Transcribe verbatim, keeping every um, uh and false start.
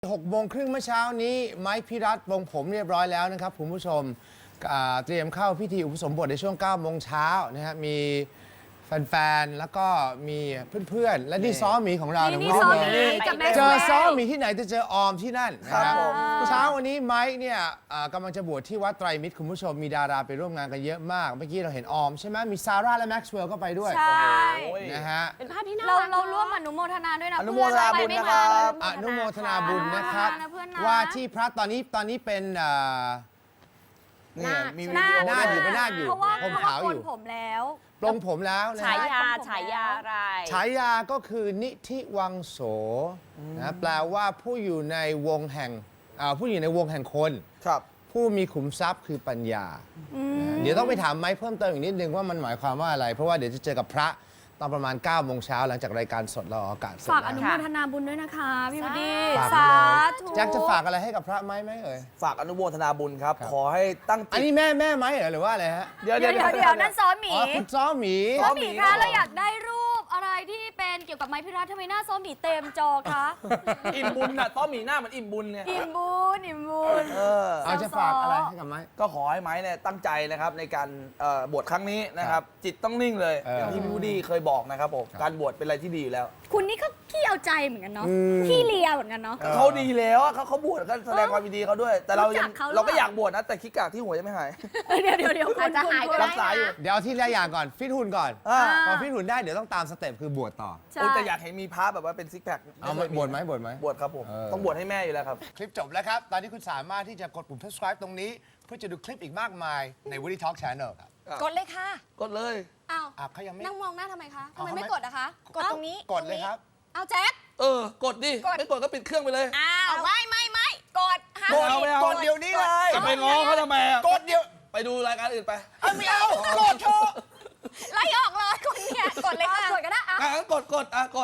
หกโมงครึ่งเมื่อเช้านี้ไม้พิรัตวงผมเรียบร้อยแล้วนะครับคุณผู้ชมเตรียมเข้าพิธีอุปสมบทในช่วงเก้าโมงเช้านะฮะมีแฟนๆแล้วก็มีเพื่อนๆและนี่ซ้อมหมีของเรานี่ซ้อมหมีกับแม็กซ์เจอซ้อมหมีที่ไหนจะเจอออมที่นั่นนะครับผมเช้าวันนี้ไม้เนี่ยกำลังจะบวชที่วัดไตรมิตรคุณผู้ชมมีดาราไปร่วมงานกันเยอะมากเมื่อกี้เราเห็นออมใช่ไหมมีซาร่าและแม็กซ์เวลล์ก็ไปด้วยใช่นะฮะเป็นภาพที่น่าเรารักเราร่วมอนุโมทนาด้วยนะอนุโมทนาบุญเพื่อนะครับอนุโมทนาบุญนะครับนะเพื่อนนะว่าที่พระตอนนี้ตอนนี้เป็นเอ่อเนี่ยมีวิหน้าดีโอหน้าอยู่ด้เป็วยนหน้าอยู่เพราะว่าผมเพราะว่าขาวโกอน ยู่ผมแล้วปลงผมแล้วนะฉาฮะยาฉายาอะไรฉายาก็คือนิธิวังโสนะแปลว่าผู้อยู่ในวงแห่งอ่าผู้อยู่ในวงแห่งคนครับผู้มีขุมทรัพย์คือปัญญานะเดี๋ยวต้องไปถามไม้เพิ่มเติมอีกนิดนึงว่ามันหมายความว่าอะไร เพราะว่าเดี๋ยวจะเจอกับพระตอนประมาณเก้าโมงเช้าหลังจากรายการสดเราออกอากาศเสร็จฝากอแล้วนุโมทนาบุญด้วยนะคะ พี่วดีฝากสาไว้เลยธุแจ็คจะฝากอะไรให้กับพระไหมไหมเอ่ยฝากอนุโมทนาบุญครับครับขอให้ตั้งอันจิตนี้แม่แม่ไหมเหรอหรือว่าอะไรฮะเดี๋ยวเดี๋ยวเดี๋ยวเดี๋ยวนั่นซ้อมหมีอ๋อคุณซ้อมหมีซ้อมหมีซ้อคะมหมีเราอยากได้รูปอะไรที่เป็นเกี่ยวกับไม้พิรัตทำไมหน้าซ้อมหมีเต็มจอคะอิ่มบุญน่ะต้อมหมีหน้าเหมือนอิ่มบุญเนี่ยอิ่มบุญอิ่มบุญเออเอาจะฝากอะไรให้กับไม้ก็ขอให้ไม้เนี่ยตั้งใจนะครับในการเอ่อบวชครั้งนี้นะครับ จิตต้องนิ่งเลยเออออย่างที่พี่วูดดี้เคยบอกนะครับผมการบวชเป็นอะไรที่ดีอยู่แล้วคุณนี่ก็ขี้เอาใจเหมือนกันเนาะอืมขี้เลียเหมือนกันเนาะเขาดีแล้วอะเขาเขาบวชก็แสดงความยินดีเขาด้วย แต่เรายังรู้จักเขาหรือเปล่าเราก็อยากบวชนะแต่ขี้กากที่หัวยังไม่หายเดี๋ยวเดี๋ยวเดี๋ยวอาจจะหายก็ได้รักษาอยู่เดี๋ยวเอาที่ละอย่างก่อนฟิตหุ่นก่อนอ่าพอฟิตหุ่นได้เดี๋ยวต้องตามสเต็ปคือบวชต่อใช่โอ้แต่อยากเห็นมีพระแบบว่าเป็นซิกแพคเอาไหมบวชไหมบวชไหมบวชครับผมเออต้องบวชให้แม่อยู่แล้วครับคลิปจบแล้วครับ ตอนนี้คุณสามารถที่จะกดปุ่ม subscribe ตรงนี้ เพื่อจะดูคลิปอีกมากมายใน Woody Talk Channel ครับกดเลยค่ะกดเลยอ้าวอ่ะเขายังไม่นั่งมองหน้าทำไมคะทำไมเอาไม่ทำไมกดอะคะ กดตรงนี้กดเลยครับเอาแจ็คเออ กดดิกดไม่กดก็ปิดเครื่องไปเลยอ้าวไม่ไม่ไม่กดห้ามกดเอาไม่เอากดเดี๋ยวนี้เลยจะไปง้อเขาทำไมอะกดเดี๋ยวไปดูรายการอื่นไปเอาไม่เอากดเถอะไล่ออกเลยคนเนี่ยกดเลยค่ะกดก็ได้อะอ่ะงั้นกดกดอ่ะกด